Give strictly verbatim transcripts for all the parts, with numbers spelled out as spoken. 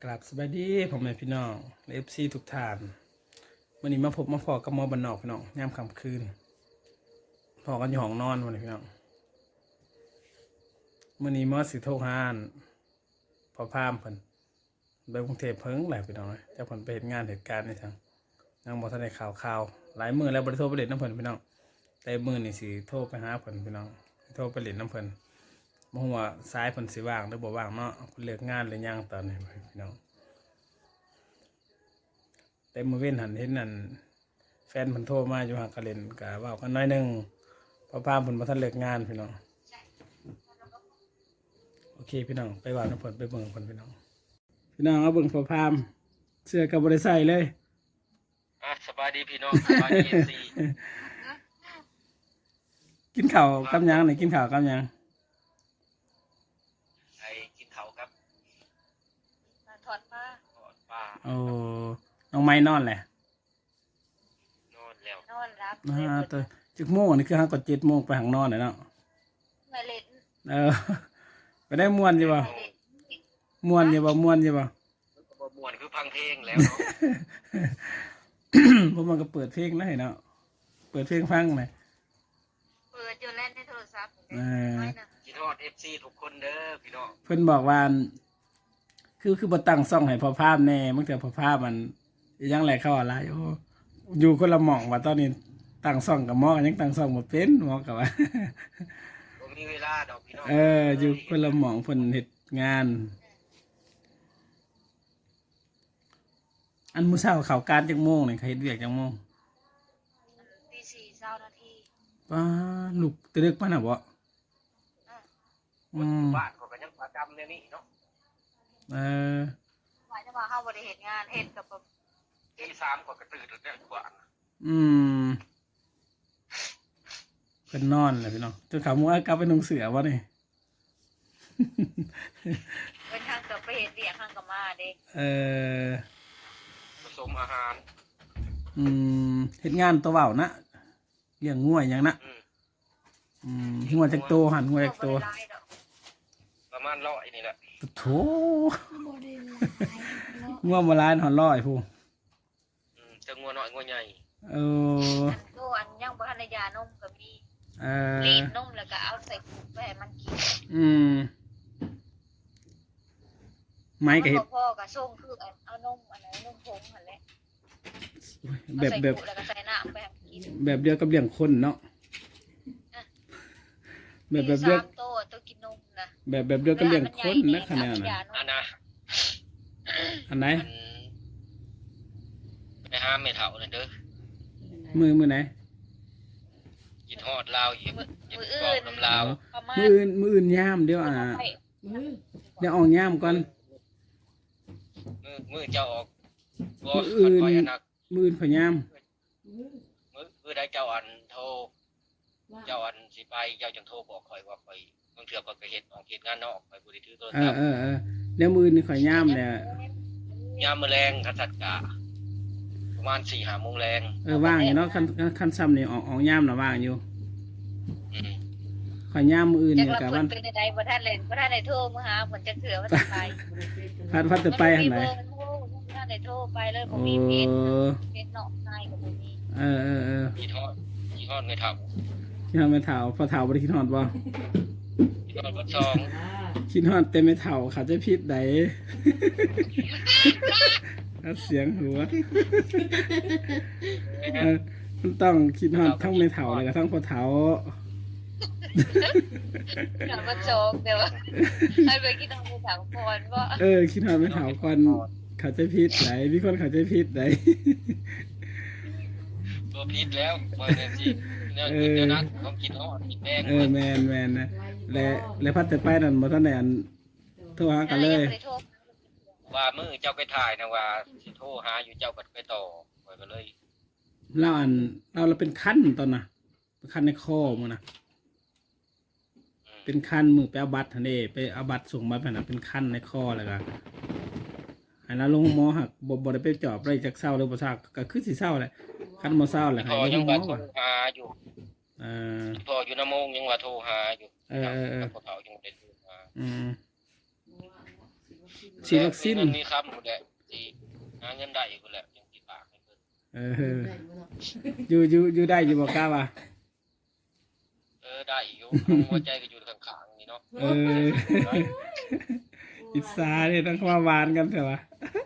กราบสวัสดีผมแม่พี่น้องเอฟซีทุกท่านวันนี้มาพบมาพอกับหมอบันนอกพี่น้องยามค่ำคืนพอกันอยู่ห้องนอนวันนี้พี่น้องวันนี้หมอสิโทรหานพอพามเพิ่นไปกรุงเทพเพิ่งแหละพี่น้องเจ้าเพิ่นไปเห็นงานเหตุการณ์ในทางยังบ่ทันได้ข่าวข่าวหลายมื้อแล้วบ่ได้โทรไปเล่นน้ำเพิ่นพี่น้องแต่มื้อนี้สิโทรไปหาเพิ่นพี่น้องโทรไปเล่นน้ำเพิ่นบ่ฮู้ว่าสายเพิ่นสิว่างหรือบ่ว่างเนาะเพิ่นเลิกงานหรือยังตอนนี้พี่น้องแต่มื้อเว้นหันเห็นนั่นแฟนเพิ่นโทรมาอยู่หากะเล่นก็เว้ากันหน่อยนึงเพราะพามเพิ่นบ่ทันเลิกงานพี่น้องโอเคพี่น้องไปว่าน้ำเพิ่นไปเบิ่งเพิ่นพี่น้องพี่น้องเอาเบิ่งพอพามเสื้อก็บ่ได้ใส่เลยอ่ะสบายดีพี่น้องสบายดีเอฟซีกินข้าวกับหยังนี่กินข้าวกับหยังไอ้กินเขาครับถอดผ้าทอดปลาโอ้น้องไม้นอนแหละนอนแล้วนอนรับอ่าตัวจักโมงนี่คือห้าก็เจ็ดโมงไปหางนอนเลยเนาะมาเล่นเออไปได้ม่วนอยู่บ่ม่วนอยู่บ่ม่วนอยู่บ่บ่ม่วนคือพังเพลงแล้วเนาะพวกมันก็เปิดเพลงได้เนาะเปิดเพลงฟังเลยเปิดอยู่เล่นในโทรศัพท์เออกินทอดเอฟซีทุกคนเด้อพี่น้องเพิ่นบอกว่าคือคือบ่ตั้งซ่องให้พอภาพแน่มันแต่พอภาพมันยังแหลกเข้าอะไรโอ้อยู่คนละหม่องว่าตอนนี้ตั้งซ่องกับหมอยังตั้งซ่องบ่เป็นหมอก็ว่าบ่มีเวลาดอกพี่น้องเอออยู่คนละหม่องเพิ่นเฮ็ดงานอันมื้อเช้าเข้าการจักโมงนี่เขาเฮ็ดเวียกจักโมงตีสี่เช้านาทีป้าลูกตะลึกปานน่ะบ่อืมบ้านก็ก็ยังประจำเนี่ยนี่เนาะเออว่าจะว่าเฮาบ่ได้เฮ็ดงานเฮ็ดกับตีสามก็กระตื่นแล้วกว่าอืมเพิ่นนอนแหละพี่น้องจนเขามื้อกลับไปนุ่งเสื้อบ่นี่เป็นทางกับไปเฮ็ดเวียกทางกับมาเด้เออผสมอาหารอืมเฮ็ดงานตัวเว้านะเลี้ยงงัวหยังนะอืมอืมงัวจักโตหั่นงัวจักโตประมาณร้อยนี่แหละโถงัวบ่หลายหอนร้อยพู้อืมจะงัวน้อยงัวใหญ่เอออันโตอันยังบ่ทันได้ยานมก็มีเออรีดนมแล้วก็เอาใส่ถุงไปให้มันกินอืมไม้ก็เฮ็ดพ่อก็ส่งคือเอานมอันไหนนมผงหั่นแหละแบบแบบแล้วก็ใส่น้ำไปให้กินแบบเดียวกับเลี้ยงคนเนาะแบบแบบเดียวโตตัวกินนมนะแบบแบบเดียวกับเลี้ยงคนนะคะแนนน่ะอันน่ะอันไหนไปหาแม่เฒ่านั่นเด้อมือมือไหนกินฮอดลาวอีกกินกรอบน้ำลาวมืออื่นมืออื่นย่ามเดี๋ยวอ่ะเดี๋ยวออกย่ามก่อนมือมือเจ้าออกมืออื่นมืออื่นพยายามมือมือได้เจ้าอันโทรเจ้าอันสิไปเจ้าจังโทรบอกคอยว่าไปบางเทื่อก็ไปเฮ็ดออกเฮ็ดงานนอกไปบ่ได้ถือโทรศัพท์เออเออเดี๋ยวมือนี่ข่อยย่ามเนี่ยยามมื้อแลงคันสัตกะประมาณ สี่ห้า โมงแลงเออว่างอยู่เนาะคันคันซ้ำนี่ออกออกย่ามน่ะว่างอยู่อืมข่อยย่ามมืออื่นนี่ก็วันเป็นใดบ่ทันเล่นบ่ทันได้โทรมาหาเพิ่นจักเทื่อว่าจะไปพัดพัดจะไปหั่นไหนบ่ทันได้โทรไปเลยบ่มีเพจเพจเนาะนายก็บ่มีเออเออเออคิดฮอดคิดฮอดไม่เฒ่าคิดฮอดไม่เฒ่าพอเฒ่าบ่ได้คิดฮอดบ่คิดฮอดบ่ซองคิดฮอดแต่ไม่เฒ่าเขาจะผิดใดเสียงหัวมันต้องคิดฮอดทั้งไม่เฒ่าเลยกับทั้งพอเฒ่าอย่ามาโจกเดี๋ยวให้ไปคิดฮอดไม่เฒ่าก่อนว่าเออคิดฮอดไม่เฒ่าก่อนเขาจะผิดใดมีคนเขาจะผิดใดบ่ผิดแล้วบ่ได้สิเนี่ยเดี๋ยวนั้นต้องคิดฮอดคิดแดงเออแม่นแม่นนะและและพัดแต่ไปนั่นบ่ทันได้อันโทรหากันเลยว่ามื้อเจ้าไปถ่ายนะว่าสิโทรหาอยู่เจ้าก็ไปต่อข่อยก็เลยเราอันเราเราเป็นคันตอนน่ะเป็นคันในคอมื้อน่ะเป็นคันมือไปเอาบัตรหั่นเด้ไปเอาบัตรส่งมาเพิ่นน่ะเป็นคันในคอแล้วก็ให้เราลงหมอหักบ่บ่ได้ไปจอบได้จักเช้าหรือบ่เช้าก็คือสิเช้าแหละคันบ่เช้าแหละให้ลงหมอว่าหาอยู่เออพออยู่นำมงยังว่าโทรหาอยู่เออๆๆเขายังบ่ได้โทรหาอืมฉีดวัคซีนมีเงินมีคำพุ่นแหละสิหาเงินได้พุ่นแหละจังสิฝากให้เพิ่นเอออยู่อยู่อยู่ได้อยู่บ่กล้าว่ะเออได้อยู่เอาหัวใจก็อยู่ข้างๆนี่เนาะเอออิสาเนี่ยต้องมาหวานกันเถอะวะ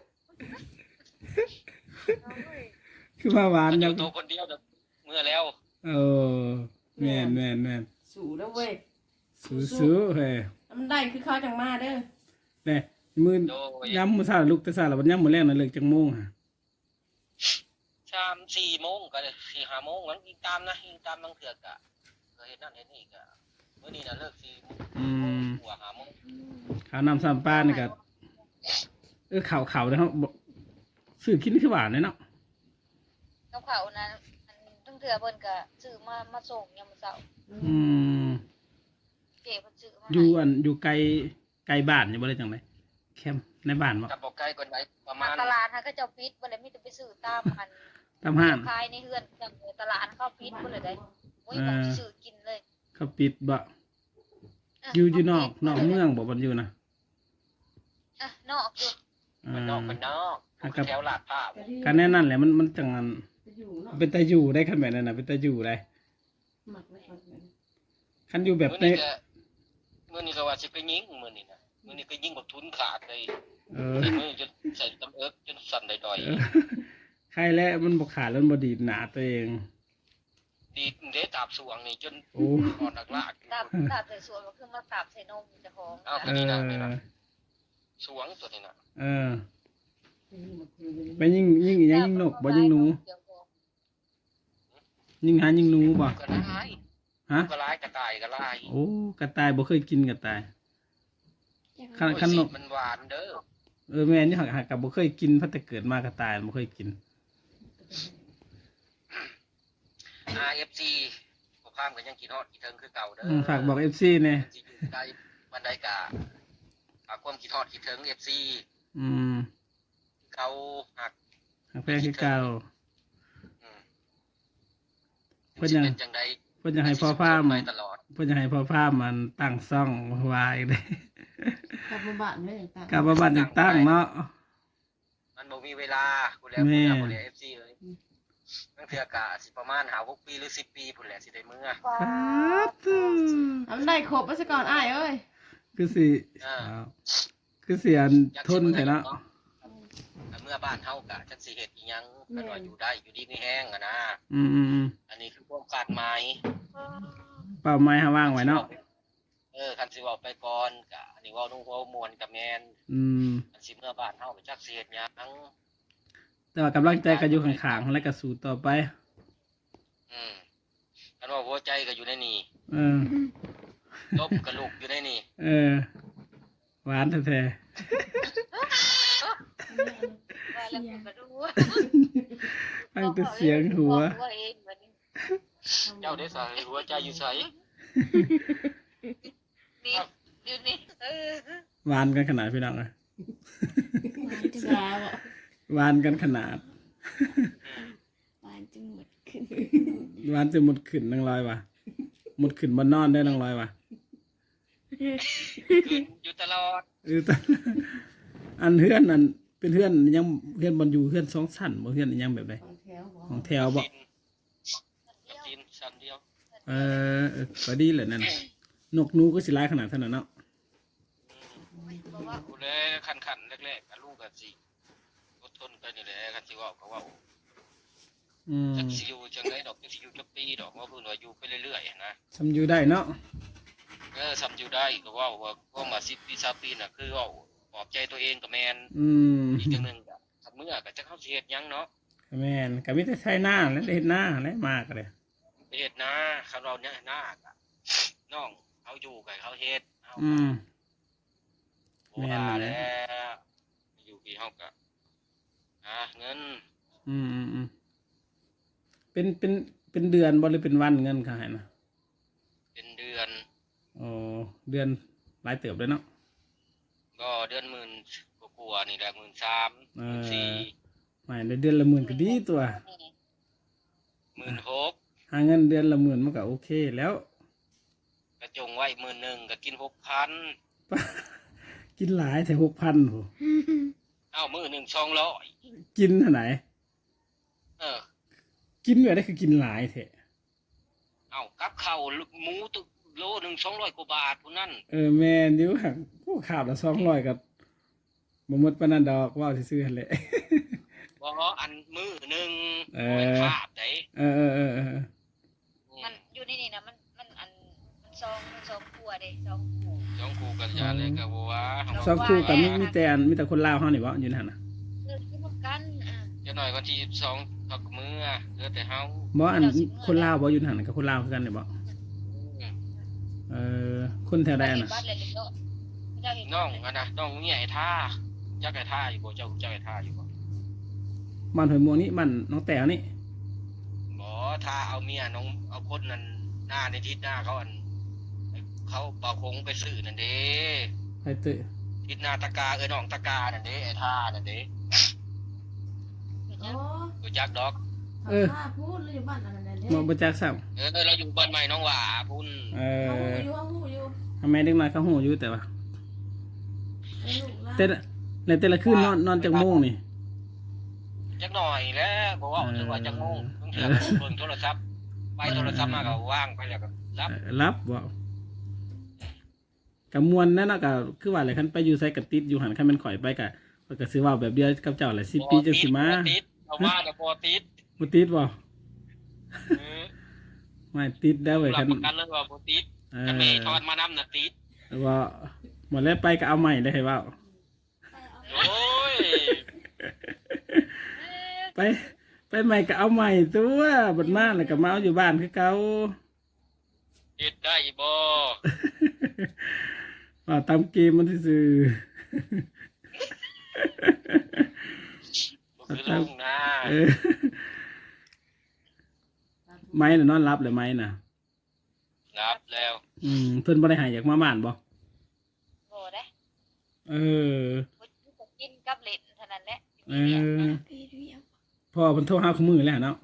คือมาหวานมันอยัยู่งตัวคนเดียวแบบเมื่อแล้วเออแม่นแม่นแม่นสู่แล้วเว้ยสู้ๆเฮ้ยมันได้คือเขาจังมาเด้อเนี่ยมื้อโดยย้ำมื้อเช้าลูกแต่เช้าแล้ววันย้ำมื้อแรกน่ะเลิกจังโมงฮะสามสี่โมงก็สี่ห้าโมงมันยิงตามนะยิงตามบางเถื่อกะก็เห็นนั่นเห็นนี่กะเมื่อนี้น่ะเลิกสี่โมงอืมหัวห้าโมงข้าวน้ำสามปลานี่ก็เออข้าวข้าวเด้อเฮาบ่ซื้อกินคือหวานเลยเนาะกับเขานั้นอันทั้งเถื่อเพิ่นก็ซื้อมามาส่งยามมื้อเช้าอืมเจ๊เพิ่นซื้อมาอยู่อันอยู่ไกลไกลบ้านอยู่บ่ได้จังไดแคมป์ในบ้านบ่กับบอกไกลกว่าไหนประมามาณตลาดฮะก็เจ้าปิดบ่ได้มีแต่ไปซื้อตามอันตามห้างขายในเฮือนจังตลาดเข้าปิดบ่เลยได้โอ้ยบ่สิซื้อกินเลยเขาปิดบ่อยู่อยู่นอกนอกเมืองบ่บ่อยู่นะอ่ะนอกอยู่อ่มันนอกามันนอกอ่าครับแถวลาดพร้าวการแน่นั่นแหละมันมันจังอันจะอยู่เนาะเป็นตาอยู่ได้คันแบบนั้นน่ะเป็นตาอยู่ได้หมักไว้ก่อนคันอยู่แบบมื้อในนี้ก็มื้อนี้ก็ว่าสิไปยิงมื้อนี้นะมื้อนี้ก็ยิงบักทุนขาดเลยเออใส่มือจนใส่ตำเอิกจนสั่นดอยเออใครแล้วมันบ่ขาดแล้วมันบ่ดีดหนาตัวเองๆดีดเด้ตาบสวงนี่จนโอ้อ่อนอักลากตาบตาบใส่สวนก็คือมาตาบใส่นมเจ้าของเอาเอนี่นะอนี่นะสวงตัวนี้นะเออไปยิงยิงอีหยังยิงนกบ่ยิงหนูยิงหายิงหนูบ่ก็ร้ายฮะก็ร้ายกระต่ายก็ร้ายโอ้กระต่ายบ่เคยกินกระต่ายคันโอ้ยคันนสีกมันหวานเด้อเออแม่นี่หักหักกับบ่เคยกินพัดแต่เกิดมากระต่ายบ่เคยกินอาร์ เอฟ ซี บ่ข้ามก็ยังกินฮอดกินเทิงคือเก่าเด้ออืมฝากบอก เอฟ ซี แน่สิอยู่ใกล้บันไดกะฝากความคิดฮอดคิดถึง เอฟ ซีอืมเขาหักหักแพงคือเก่าอืมเพิ่นยังสิเป็นจังไดเพิ่นอยากให้พ่อพามไปตลอดเพิ่นอยากให้พ่อพามมันตั้งซ่องวายได้กลับมาบ้านเลยต่างกลับมาบ้านจังตั้งเนาะมันบ่มีเวลาพุ่นแหล้วแม่พุ่นแหล้ว เอฟ ซี เอ้ยตั้งเทื่อกะสิประมาณห้าหกปีหรือสิบปีพุ่นแหละสิได้มื้อครับๆเอามันได้ครบไปซะก่อนอ้ายเอ้ยคือสิอ่าอ้าวคือเสียนทนแท้เนาะแต่เมื่อบ้านเฮากะจักสิเฮ็ดอีหยังกันว่าอยู่ได้อยู่ดีมีแห้งอะนะอืมอืมอืมอันนี้คือความคาดหมายเป้าหมายหาว่างไว้เนาะเออคันสิเว้าไปก่อนกะอันนี้เว้านุ่งเว้ามวนกับแม่นอืมอันสิเมื่อบ้านเฮาไปจักสิเฮ็ดหยังแต่ว่ากำลังใจก็อยู่ข้างๆและก็สู้ต่อไปอืมคันว่าหัวใจก็อยู่ในนี่เออลบกระลูกอยู่ในนี่เออ หวานแท้ว่าแล้วก็บ่รู้ๆฟังแต่เสียงหัวบอกตัวเองเหมือนเจ้าได้ใส่หัวใจอยู่ไสนี่อยู่นี่เออหวานกันขนาดพี่น้องเลยสาวอ่ะหวานกันขนาดหวานจึงหมดขึ้นหวานจะหมดขึ้นนังลอยว่ะหมดขึ้นบนนอนได้นังลอยว่ะขึ้นอยู่ตลอดเออแต่อันเฮือนอันเป็นเฮือนยังเฮือนบนอยู่เฮือนสองชั้นบ่เฮือนยังแบบใดของแถวบ่ของแถวบ่ดินสันเดียวเออเออก็ดีแหละนั่นน่ะนกหนูก็สิหลายขนาดเท่านั้นเนาะบอกว่ากูเลยคันๆแรกๆกับลูกก็สิอดทนกันนี่แหละคันสิเว้าก็เว้าอืมจักสิอยู่จังไดดอกจักสิอยู่จักปีดอกว่าเพิ่นว่าอยู่ไปเรื่อยๆนะทำอยู่ได้เนาะเออซ้ำอยู่ได้ก็เว้าว่าว่ามาสิบปีสามปีน่ะคือเว้าปลอบใจตัวเองก็แม่นอืมอีกจังหนึงก็คันเมื่อก็จักเฮาสิเฮ็ดหยังเนาะแม่นก็มีแต่ใช้หน้าและได้เฮ็ดหน้าและมากเลยไปเฮ็ดนาคันเราเนี่ยหน้าก็น้องเขาอยู่ก็ให้เขาเฮ็ดเฮาอืมโอ้ว่าแล้วอยู่พี่เฮาก็หาเงินอืมอืมอืมเป็นเป็นเป็นเดือนบ่หรือเป็นวันเงินค่ะให้นะเป็นเดือนอ๋อเดือนหลายเติบเลยเนาะก็เดือนหมื่นกว่าๆนี่แหละหมื่นสามหมื่นสี่ไม่ได้เดือนละหมื่นก็ดีตัวหมื่นหกหาเงินเดือนละหมื่นมันก็โอเคแล้วกระจงไว้หมื่นหนึ่งก็กินหกพันกินหลายแต่หกพันโหเอ้ามื้อหนึ่งสองร้อยกินเท่าไหนเออกินแบบได้คือกินหลายแท้เอ้ากับข้าวหมูตุโลหนึ่งสองร้อยกว่าบาทพุ่นนั่นเออแม่นอยู่หักผู้ข่าวละสองร้อยกับบ่หมดปานนั้นดอกเว้าซื่อๆหั่นแหละบ่อันมื้อหนึ่งเออบ่แม่นคาบได้เออเออเออเออมันอยู่ในนี่นะมันมันอันมันซองมันซองครัวเด้ซองครัวสองคู่กันยาเลยก็บ่ว่าสองคู่กับมีมีแต่อันมีแต่คนลาวเฮานี่บ่อยู่นั่นน่ะเออกินพร้อมกันอ่าจะหน่อยวันที่ยี่สิบสองพักมื้อเหลือแต่เฮาบ่อันคนลาวบ่อยู่นั่นกับคนลาวคือกันนี่บ่เออคนแถวใดอันน่ะบ้านเลยเลยเนาะเจ้าเห็นน้องอันน่ะน้องเนี่ยไอ้ท่าจักไอ้ท่าอยู่บ่เจ้าจักไอ้ท่าอยู่บ่บ้านห้วยม่วงนี่บ้านน้องแต้วนี่บ่ท่าเอาเมียน้องเอาคนนั้นหน้าในทิศหน้าเขาอันเขาเป่าคงไปซื้อนั่นเด้ไปตื้อทิศหน้าตะกาเอ้ยน้องตะกานั่นเด้ไอ้ท่านั่นเด้เห็นโอ้ยังรู้จักดอกเออพูดเลยอยู่บ้านอะไรเนี่ยบ่บ่จักซ้ํเออเราอยู่บ้านใหม่น้องหว่าพุ่นเอเขาอหูอยู่เขาหูอยู่ทำไมเด็กน้อยเขาฮู้อยู่แต่ว่าไอ้ลูกหลานแต่ละแล้วแต่ละคืนนอนนอนจักโมงนี่จักหน่อยแล้วบ่ว่าถึงว่าจักโมงต้องเที่ยวเบิ่งโทรศัพท์ไปโทรศัพท์มาก็ว่างไปแล้วก็รับเออรับบ่ก็ม่วนนั่นน่ะก็คือว่าแหละคันไปอยู่ไสก็ติดอยู่หั่นคันแม่นข่อยไปก็ข้อยก็สิเว้าแบบเดียวกับเจ้าแหละสิบปีจังสิมาบ่ติดเอามาแต่บ่ติดบ่ติดบ่เออไม่ติดได้เว้ยรัคับนประกันเลยว่าบ่ติดเอคันแม่อทอดมานำน่ะติดว่าหมดแล้วไปก็เอาใหม่เลยให้เว้าโอ้ยไปไปใหม่ก็เอาใหม่ตัวบัดมาแล้วก็มาเอาอยู่บ้านคือเก่าเฮ็ดได้บ่ว่าตามเกมมันซื่อบ่คือลุงนะๆเออไม้น่ะนอนรับเลยไม้น่ะรับแล้วอืมเพิ่นบ่ได้ใหายอยากมาบ้านบ่โง่เด้เออบ่จะกินกับเล่นเท่านั้นแหละเออพี่เรียกพ่อเพิ่นโทรหาคู่มือแล้วเนาะ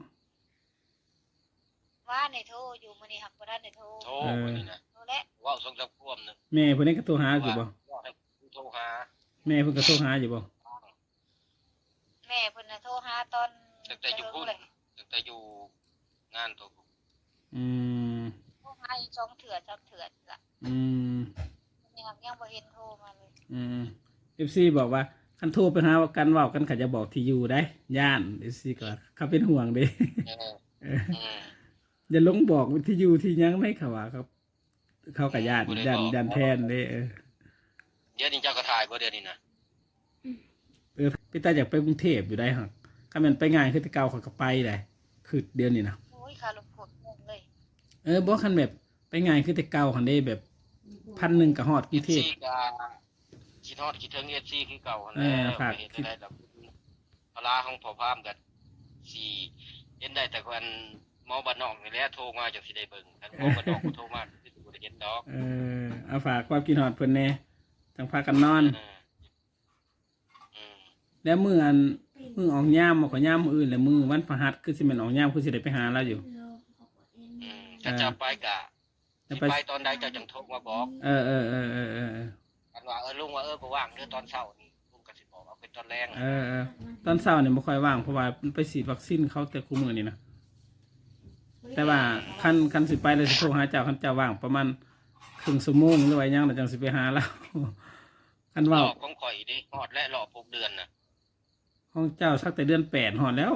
ว่าในโทรอยู่มื้อนี้หักบ่ได้ในโทรโทรมื้อนี้นะโทรแล้วเว้าสองสามควมนึงแม่เพิ่นนี่ก็โทรหาอยู่บ่ว่าให้โทรหาแม่เพิ่นก็โทรหาอยู่บ่แม่เพิ่นน่ะโทรหาตอนตั้งแต่อยู่พุ่นตั้งแต่อยู่งานตัวอืมโทรหาอีกสองเถื่อสามเถื่อล่ะอืมนี่หักยังบ่เห็นโทรมาเลยอืม เอฟ ซี บอกว่าคันโทรไปหากันเว้ากันเขาจะบอกที่อยู่ได้ ย่าน เอฟ ซี ก็เขาเป็นห่วงเด้เออเอออืมอย่าลงบอกที่อยู่ที่หยังไม่เขาว่าครับ เขากับย่านย่านย่านแทนเด้เออเดี๋ยวนี้เจ้าก็ถ่ายบ่เดี๋ยวนี้นะเออพี่ตาอยากไปกรุงเทพอยู่ได้หั่นคันแม่นไปง่ายคือแต่เก่าเขาก็ไปได้คือเดือนนี้นะโอ้ยค่ารถกดงงเลยเออบ่คันแบบไปง่ายคือแต่เก่าหั่นเด้แบบพันหนึ่งก็ฮอดกรุงเทพเอฟซีก็คิดฮอดคิดถึง เอฟ ซี คือเก่าหั่นแหเอละอฝากไปเฮ็ดได้ดอกเวลาของพ่อพามก็สิเห็นได้แต่คนหมอบ้านนอกนี่แหละโทรมาจังสิได้เบิ่งคันหมอบ้านนอกบ่โทรมาสิบ่ได้เห็นดอกเออเอาฝากความคิดฮอดเพิ่นแหน่จังพากันนอนเอออืมแล้วมื้ออันมื้อออกยามบ่ก็ยามมื้ออื่นแล้วมื้อวันพฤหัสคือสิแม่นออกยามคือสิได้ไปหาเราอยู่อืมถ้าจะไปก็จะสิไปไปตอนใดเจ้าจังโทรมาบอกเออเออเออเออเออเออกันว่าเออลุงว่าเออบ่ว่างเด้อตอนเช้านี่ลุงก็สิบอกเอาเป็นตอนแรงเออเออตอนเช้าเนี่ยไม่ค่อยว่างเพราะว่ามันไปฉีดวัคซีนเขาแต่คู่มือนี่นะแต่ว่าคันคันสิไปเลยสิโทรหาเจ้าคันเจ้าว่างประมาณครึ่งชั่วโมงหรือว่าหยังเราจังสิไปหาแล้ว คันรว่าอบของข่อยดิฮอดและรอบหกเดือนน่ะห้องเจ้าสักแต่เดือนแปดหอดแล้ว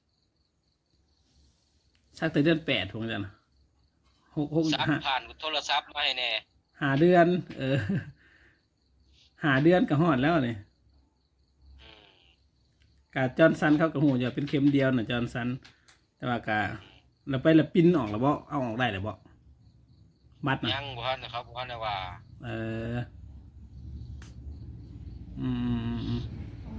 สักแต่เดือนแปดถูกจังนะหกหกซักห้าผ่านโทรศัพท์มาให้แน่หาเดือน เออหาเดือนก็หอดแล้วนี่อืมกาจอร์นสันเขาก็หูอย่าเป็นเข็มเดียวน่ะจอร์นสัน แต่ว่ากาเราไปและปิ้นออกแล้วบ่เอาออกได้แล้วบ่บัตรนะยังบ่ทันนะครับบ่ทันได้ว่าเออ อืมอืม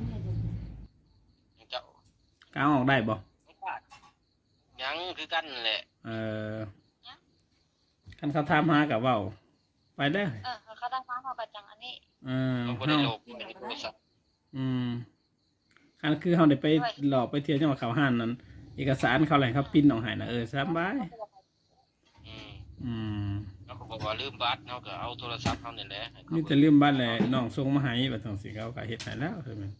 เจ้าก็เอาออกได้บ่ยังคือกันแหละเออคันเขาถามหากับเว้าไปได้เออเขาตั้งฟ้าเขาก็จังอันนี้เออเราบ่เฮาได้โลกบ่ได้โทรศัพท์อืมคันคือเฮาได้ไปหลอกไปเที่ยวจังหวัดเขาห้านนั้น เอกสารเขาอะไรเขาปิ้นออกให้นะเออสบายอืมอืมเฮเขาก็บอกว่าลืมบัตรเขาก็เอาโทรศัพท์เขาเนี่ยแหละให้เขามีแต่ลืมบ้านแหละน้องส่งมาให้บัดจังสิเขาก็เฮ็ดให้แล้วใช่มั้ย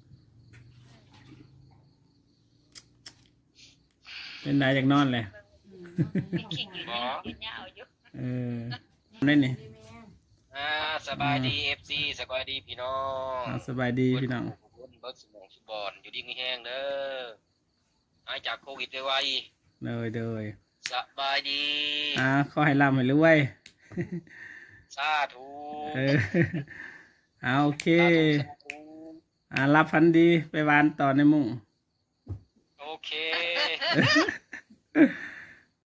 เป็นได้จากนอนแหละเป็นขิงอยู่นี่กินยาวอยู่เออได้นี่ดีแม่อ่าสบายดี เอฟ ซี สบายดีพี่น้องอ่าสบายดีพี่น้องเบิดเบิดสมองสุบอนอยู่ดีมีแห้งเด้อหายจากโควิดไวเลยเลยๆสบายดีอ่าขอให้ร่ำให้รวยสาธุเออเอาโอเคสาธุสาธุอ่ารับพันดีไปวานต่อในมุ้งโอเค